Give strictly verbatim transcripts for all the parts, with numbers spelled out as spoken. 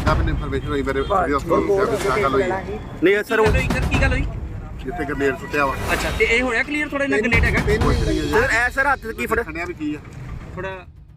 ਸਾਹਿਬ ਨੇ ਇਨਫੋਰਮੇਸ਼ਨ ਹੋਈ ਮੇਰੇ ਵੀਡੀਓ ਕਾਲ ਤੇ ਗੱਲ ਹੋਈ ਨਹੀਂ ਸਰ ਉਹ ਕੀ ਗੱਲ ਹੋਈ ਜਿੱਥੇ ਗਰਨੇਡ ਸੁੱਟਿਆ ਵਾ ਅੱਛਾ ਤੇ ਇਹ ਹੋਇਆ ਕਲੀਅਰ ਥੋੜਾ ਜਿਹਾ ਗਨੇਟ ਹੈਗਾ ਸਰ ਐ ਸਰ ਹੱਥ ਕੀ ਫੜ ਖੜਿਆ ਵੀ ਕੀ ਆ ਥੋੜਾ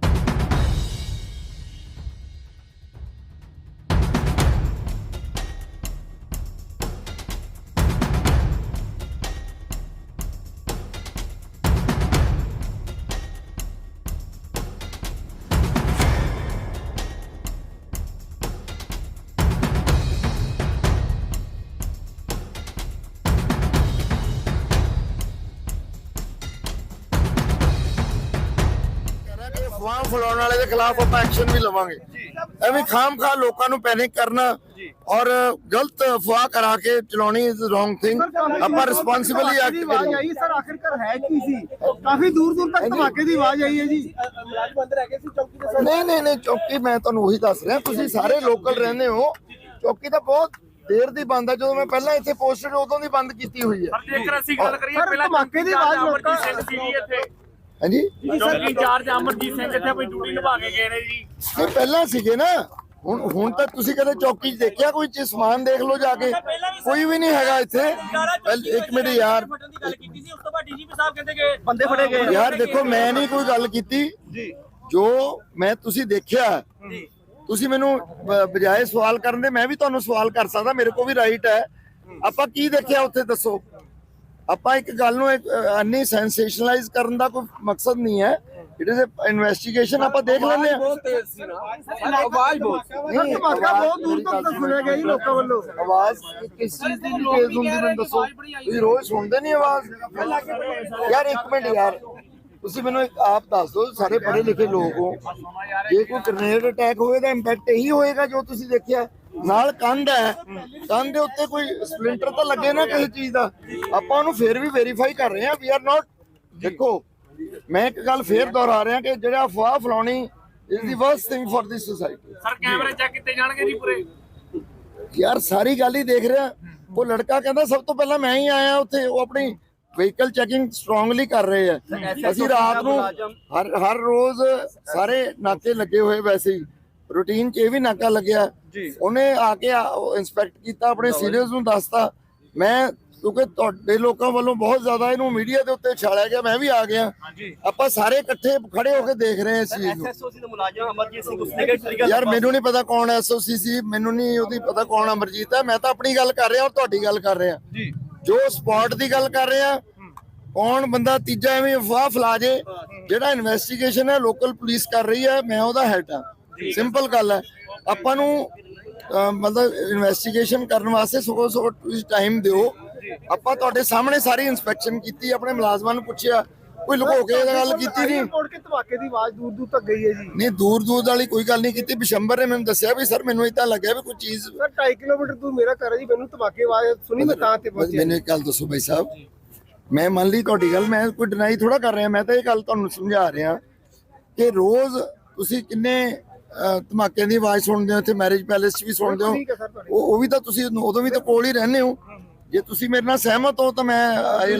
ਅਫਵਾਹ ਫੈਲਾਉਣ ਵਾਲੇ ਦੇ ਖਿਲਾਫ ਆਪਾਂ ਐਕਸ਼ਨ ਵੀ ਲਵਾਂਗੇ ਐਵੇਂ ਖਾਮ ਖਾ ਲੋਕਾਂ ਨੂੰ ਪੈਨਿਕ ਕਰਨਾ ਔਰ ਗਲਤ ਅਫਵਾਹ ਕਰਾ ਕੇ ਚਲਾਉਣੀ ਇਜ਼ ਰੋਂਗ ਥਿੰਗ ਆਪਾਂ ਰਿਸਪੌਂਸਿਬਲੀ ਐਕਟ ਕਰੀਏ ਆਈ ਸਰ ਆਖਿਰਕਾਰ ਹੈ ਕੀ ਸੀ ਕਾਫੀ ਦੂਰ ਦੂਰ ਤੱਕ ਧਮਾਕੇ ਦੀ ਆਵਾਜ਼ ਆਈ ਹੈ ਜੀ ਮੁਲਾਜ਼ਮ ਅੰਦਰ ਹੈਗੇ ਸੀ ਚੌਕੀ ਦੇ ਨਹੀਂ ਨਹੀਂ ਨਹੀਂ ਚੌਕੀ ਮੈਂ ਤੁਹਾਨੂੰ ਉਹੀ ਦੱਸ ਰਿਹਾ ਤੁਸੀਂ ਸਾਰੇ ਲੋਕਲ ਰਹਿੰਦੇ ਹੋ ਚੌਕੀ ਤਾਂ ਬਹੁਤ ਦੇਰ ਦੀ ਬੰਦ ਹੈ ਜਦੋਂ ਮੈਂ ਪਹਿਲਾਂ ਇੱਥੇ ਪੋਸਟਡ ਉਦੋਂ ਦੀ ਬੰਦ ਕੀਤੀ ਹੋਈ ਹੈ ਜੇਕਰ ਅਸੀਂ ਗੱਲ ਕਰੀਏ ਪਹਿਲਾਂ ਧਮਾਕੇ ਦੀ ਆਵਾਜ਼ ਲੋਕਾਂ ਸਿੰਘ ਸੀ ਜੀ ਇੱਥੇ ਹਾਂਜੀ ਚੌਕੀ ਇੰਚਾਰਜ ਅਮਰਜੀਤ ਸਿੰਘ ਇੱਥੇ ਆਪਣੀ ਡਿਊਟੀ ਨਿਭਾ ਕੇ ਗਏ ਨੇ ਜੀ ਇਹ ਪਹਿਲਾਂ ਸੀਗੇ ਨਾ ਹੁਣ ਹੁਣ ਤੱਕ ਤੁਸੀਂ ਕਦੇ ਚੌਕੀ 'ਚ ਦੇਖਿਆ ਕੋਈ ਚੀਜ਼ ਸਮਾਨ ਦੇਖ ਲਓ ਜਾ ਕੇ ਕੋਈ ਵੀ ਨਹੀਂ ਹੈਗਾ ਇੱਥੇ ਇੱਕ ਮਿੰਟ ਯਾਰ ਬੰਦੇ ਫੜੇ ਗਏ ਯਾਰ ਦੇਖੋ ਮੈਂ ਨਹੀਂ ਕੋਈ ਗੱਲ ਕੀਤੀ ਜੋ ਮੈਂ ਤੁਸੀਂ ਦੇਖਿਆ ਤੁਸੀਂ ਮੈਨੂੰ ਬ- ਬਜਾਏ ਸਵਾਲ ਕਰਨ ਦੇ ਮੈਂ ਵੀ ਤੁਹਾਨੂੰ ਸਵਾਲ ਕਰ ਸਕਦਾ ਮੇਰੇ ਕੋਲ ਵੀ ਰਾਈਟ ਹੈ ਆਪਾਂ ਕੀ ਦੇਖਿਆ ਉੱਥੇ ਦੱਸੋ ਆਪਾਂ ਇੱਕ ਗੱਲ ਨੂੰ ਅੰਨੀ ਸੈਂਸੇਸ਼ਨਲਾਈਜ਼ ਕਰਨ ਦਾ ਕੋਈ ਮਕਸਦ ਨਹੀਂ ਹੈ ਇਟ ਇਜ਼ ਅ ਇਨਵੈਸਟੀਗੇਸ਼ਨ ਆਪਾਂ ਦੇਖ ਲੈਂਦੇ ਹਾਂ ਆਵਾਜ਼ ਬਹੁਤ ਧਮਾਕਾ ਬਹੁਤ ਦੂਰ ਤੱਕ ਸੁਣਿਆ ਗਿਆ ਜੀ ਲੋਕਾਂ ਵੱਲੋਂ ਆਵਾਜ਼ ਕਿਸ ਚੀਜ਼ ਦੀ ਤੇਜ਼ ਹੁੰਦੀ ਮੈਨੂੰ ਦੱਸੋ ਤੁਸੀਂ ਰੋਜ਼ ਸੁਣਦੇ ਨਹੀਂ ਆਵਾਜ਼ ਯਾਰ ਇੱਕ ਮਿੰਟ ਯਾਰ ਤੁਸੀਂ ਮੈਨੂੰ ਇੱਕ ਆਪ ਦੱਸ ਦਿਓ ਸਾਰੇ ਪੜ੍ਹੇ ਲਿਖੇ ਲੋਕ ਹੋ ਜੇ ਕੋਈ ਗ੍ਰੇਨੇਡ ਅਟੈਕ ਹੋਵੇ ਤਾਂ ਇੰਪੈਕਟ ਇਹੀ ਹੋਏਗਾ ਜੋ ਤੁਸੀਂ ਦੇਖਿਆ ਨਾਲ ਕੰਧ ਹੈ ਕੰਧ ਦੇ ਉੱਤੇ ਕੋਈ ਸਪਲਿੰਟਰ ਤਾਂ ਲੱਗੇ ਨਾ ਕਿਸੇ ਚੀਜ਼ ਦਾ ਆਪਾਂ ਉਹਨੂੰ ਫੇਰ ਵੀ ਵੈਰੀਫਾਈ ਕਰ ਰਹੇ ਹਾਂ ਵੀ ਆਰ ਨਾਟ ਦੇਖੋ ਮੈਂ ਇੱਕ ਗੱਲ ਫੇਰ ਦੁਹਰਾ ਰਿਹਾ ਕਿ ਜਿਹੜਾ ਅਫਵਾਹ ਫਲਾਉਣੀ is the worst thing for this society sir ਕੈਮਰੇ ਚੈੱਕ ਕੀਤੇ ਜਾਣਗੇ ਜੀ ਪੂਰੇ ਯਾਰ ਸਾਰੀ ਗੱਲ ਹੀ ਦੇਖ ਰਿਹਾ ਉਹ ਲੜਕਾ ਕਹਿੰਦਾ ਸਭ ਤੋਂ ਪਹਿਲਾਂ ਮੈਂ ਹੀ ਆਇਆ ਉੱਥੇ ਉਹ ਆਪਣੀ ਵਹੀਕਲ ਚੈਕਿੰਗ ਸਟਰੋਂਗਲੀ ਕਰ ਰਹੇ ਆ ਅਸੀਂ ਰਾਤ ਨੂੰ ਹਰ ਹਰ ਰੋਜ਼ ਸਾਰੇ ਨਾਕੇ ਲੱਗੇ ਹੋਏ ਵੈਸੇ ਹੀ ਰੂਟੀਨ 'ਚ ਇਹ ਵੀ ਨਾਕਾ ਲੱਗਿਆ ਉਹਨੇ ਆ ਕੇ ਇੰਸਪੈਕਟ ਕੀਤਾ ਆਪਣੇ ਸੀਨੀਅਰਸ ਨੂੰ ਦੱਸਤਾ ਮੈਂ ਕਿਉਂਕਿ ਤੁਹਾਡੇ ਲੋਕਾਂ ਵੱਲੋਂ ਬਹੁਤ ਜ਼ਿਆਦਾ ਇਹਨੂੰ ਮੀਡੀਆ ਦੇ ਉੱਤੇ ਛਾਲਿਆ ਗਿਆ ਮੈਂ ਵੀ ਆ ਗਿਆ ਆਪਾਂ ਸਾਰੇ ਇਕੱਠੇ ਖੜੇ ਹੋ ਕੇ ਦੇਖ ਰਹੇ ਹਾਂ ਇਸ ਚੀਜ਼ ਨੂੰ ਐਸਐਸਓ ਸੀ ਦਾ ਮੁਲਾਜ਼ਮ ਅਮਰਜੀਤ ਸਿੰਘ ਉਸਨੇ ਕਿ ਟ੍ਰਿਗਰ ਯਾਰ ਮੈਨੂੰ ਨਹੀਂ ਪਤਾ ਕੌਣ ਐਸਓਸੀ ਸੀ ਮੈਨੂੰ ਨਹੀਂ ਉਹਦੀ ਪਤਾ ਕੌਣ ਅਮਰਜੀਤ ਹੈ ਮੈਂ ਤਾਂ ਆਪਣੀ ਗੱਲ ਕਰ ਰਿਹਾ ਔਰ ਤੁਹਾਡੀ ਗੱਲ ਕਰ ਰਿਹਾ ਜੋ ਸਪੌਟ ਦੀ ਗੱਲ ਕਰ ਰਿਹਾ ਕੌਣ ਬੰਦਾ ਤੀਜਾ ਐਵੇਂ ਅਫਵਾਹ ਫੈਲਾ ਜੇ ਜਿਹੜਾ ਇਨਵੈਸਟੀਗੇਸ਼ਨ ਹੈ ਲੋਕਲ ਪੁਲਿਸ ਕਰ ਰਹੀ ਹੈ ਮੈਂ ਉਹਦਾ ਹੈਡ ਹਾਂ ਸਿੰਪਲ ਗੱਲ ਹੈ ਆਪਾਂ ਨੂੰ ਮਤਲਬ ਇਨਵੈਸਟੀਗੇਸ਼ਨ ਕਰਨ ਵਾਸਤੇ ਸਗੋਂ ਸਗੋਂ ਤੁਸੀਂ ਟਾਈਮ ਦਿਓ ਆਪਾਂ ਤੁਹਾਡੇ ਸਾਹਮਣੇ ਸਾਰੀ ਇਨਸਪੈਕਸ਼ਨ ਕੀਤੀ ਆਪਣੇ ਮੁਲਾਜ਼ਮਾਂ ਨੂੰ ਪੁੱਛਿਆ ਕੋਈ ਲੁਕੋ ਕੇ ਗੱਲ ਕੀਤੀ ਨਹੀਂ ਕੋੜ ਕੇ ਧਮਾਕੇ ਦੀ ਆਵਾਜ਼ ਦੂਰ ਦੂਰ ਤੱਕ ਗਈ ਹੈ ਜੀ ਨਹੀਂ ਦੂਰ ਦੂਰ ਵਾਲੀ ਕੋਈ ਗੱਲ ਨਹੀਂ ਕੀਤੀ ਬਿਸ਼ੰਬਰ ਨੇ ਮੈਨੂੰ ਦੱਸਿਆ ਵੀ ਸਰ ਮੈਨੂੰ ਇਦਾਂ ਲੱਗਿਆ ਵੀ ਕੋਈ ਚੀਜ਼ ਸਰ ਢਾਈ ਕਿਲੋਮੀਟਰ ਦੂਰ ਮੇਰਾ ਘਰ ਹੈ ਜੀ ਮੈਨੂੰ ਧਮਾਕੇ ਆਵਾਜ਼ ਸੁਣੀ ਮੈਂ ਤਾਂ ਤੇ ਪਹੁੰਚਿਆ ਮੈਨੂੰ ਇੱਕ ਗੱਲ ਦੱਸੋ ਭਾਈ ਸਾਹਿਬ ਮੈਂ ਮੰਨ ਲਈ ਤੁਹਾਡੀ ਗੱਲ ਮੈਂ ਕੋਈ ਡਿਨਾਈ ਥੋੜਾ ਕਰ ਰਿਹਾ ਮੈਂ ਤਾਂ ਇਹ ਗੱਲ ਤੁਹਾਨੂੰ ਸਮਝਾ ਰਿਹਾ ਕਿ ਰੋਜ਼ ਤੁਸੀਂ ਕਿੰਨੇ ਧਮਾਕਿਆਂ ਦੀ ਆਵਾਜ਼ ਸੁਣਦੇ ਹੋ ਇੱਥੇ ਮੈਰਿਜ ਪੈਲੇਸ 'ਚ ਵੀ ਸੁਣਦੇ ਹੋ ਉਹ ਉਹ ਵੀ ਤਾਂ ਤੁਸੀਂ ਉਦੋਂ ਵੀ ਤਾਂ ਕੋਲ ਹੀ ਰਹਿੰਦੇ ਹੋ ਜੇ ਤੁਸੀਂ ਮੇਰੇ ਨਾਲ ਸਹਿਮਤ ਹੋ ਤਾਂ ਮੈਂ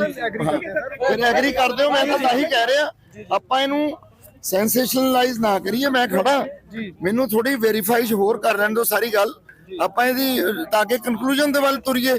ਫਿਰ ਐਗਰੀ ਕਰਦੇ ਹੋ ਮੈਂ ਤਾਂ ਤਾਂ ਹੀ ਕਹਿ ਰਿਹਾ ਆਪਾਂ ਇਹਨੂੰ ਸੈਂਸੇਸ਼ਨਲਾਈਜ਼ ਨਾ ਕਰੀਏ ਮੈਂ ਖੜਾ ਮੈਨੂੰ ਥੋੜੀ ਵੈਰੀਫਾਈ ਹੋਰ ਕਰ ਲੈਣ ਦਿਓ ਸਾਰੀ ਗੱਲ ਆਪਾਂ ਇਹਦੀ ਤਾਂ ਕਿ ਕਨਕਲੂਜਨ ਦੇ ਵੱਲ ਤੁਰੀਏ